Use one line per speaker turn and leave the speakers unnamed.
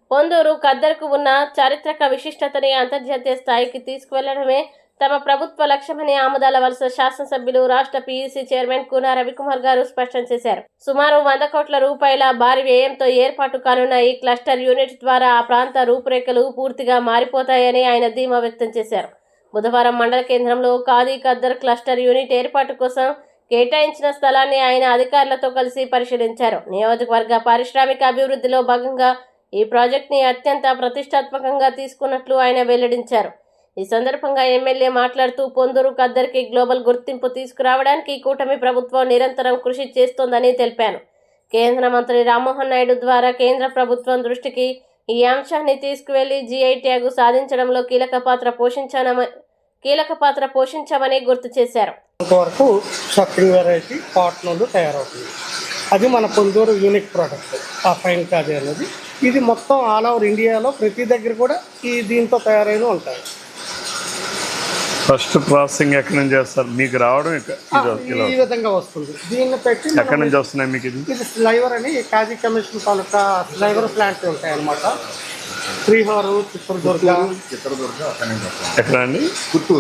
పొందూరు ఖద్దరుకు ఉన్న చారిత్రక విశిష్టతని అంతర్జాతీయ స్థాయికి తీసుకువెళ్లడమే తమ ప్రభుత్వ లక్ష్యమని ఆముదాల వలస శాసనసభ్యులు రాష్ట్ర పీఈసీ చైర్మన్ కూన రవికుమార్ గారు స్పష్టం చేశారు. సుమారు 100 కోట్ల రూపాయల భారీ వ్యయంతో ఏర్పాటు కానున్న ఈ క్లస్టర్ యూనిట్ ద్వారా ఆ ప్రాంత రూపురేఖలు పూర్తిగా మారిపోతాయని ఆయన ధీమా వ్యక్తం చేశారు. బుధవారం మండల కేంద్రంలో ఖాదీ ఖద్దర్ క్లస్టర్ యూనిట్ ఏర్పాటు కోసం కేటాయించిన స్థలాన్ని ఆయన అధికారులతో కలిసి పరిశీలించారు. నియోజకవర్గ పారిశ్రామిక అభివృద్ధిలో భాగంగా ఈ ప్రాజెక్టుని అత్యంత ప్రతిష్టాత్మకంగా తీసుకున్నట్లు ఆయన వెల్లడించారు. ఈ సందర్భంగా ఎమ్మెల్యే మాట్లాడుతూ పొందూరు ఖద్దర్కి గ్లోబల్ గుర్తింపు తీసుకురావడానికి కూటమి ప్రభుత్వం నిరంతరం కృషి చేస్తోందని తెలిపాను. కేంద్ర మంత్రి రామ్మోహన్ నాయుడు ద్వారా కేంద్ర ప్రభుత్వం దృష్టికి ఈ అంశాన్ని తీసుకువెళ్లి జీఐ ట్యాగ్ సాధించడంలో కీలక పాత్ర పోషించామని గుర్తు చేశారు.
వరకు షాపింగ్ వెరైటీ కాటన్ తయారవుతుంది. అది మన పొందూరు యూనిక్ ప్రోడక్ట్. ఆ ఫైన్ ఖాదీ అనేది ఇది మొత్తం ఆల్ ఓవర్ ఇండియాలో ప్రతి దగ్గర కూడా ఈ దీంతో తయారైన ఉంటాయి.
ఫస్ట్ ప్రాసెసింగ్ ఎక్కడి నుంచి చేస్తారు? మీకు రావడం
ఈ విధంగా వస్తుంది. దీన్ని పెట్టి
ఎక్కడి నుంచి వస్తున్నాయి మీకు? ఇది
స్లైవర్ అని Khadi commission taluka sliver plant ఉంటాయి అన్నమాట. శ్రీహారు, చిత్రదుర్గ
ఎక్కడ అండి?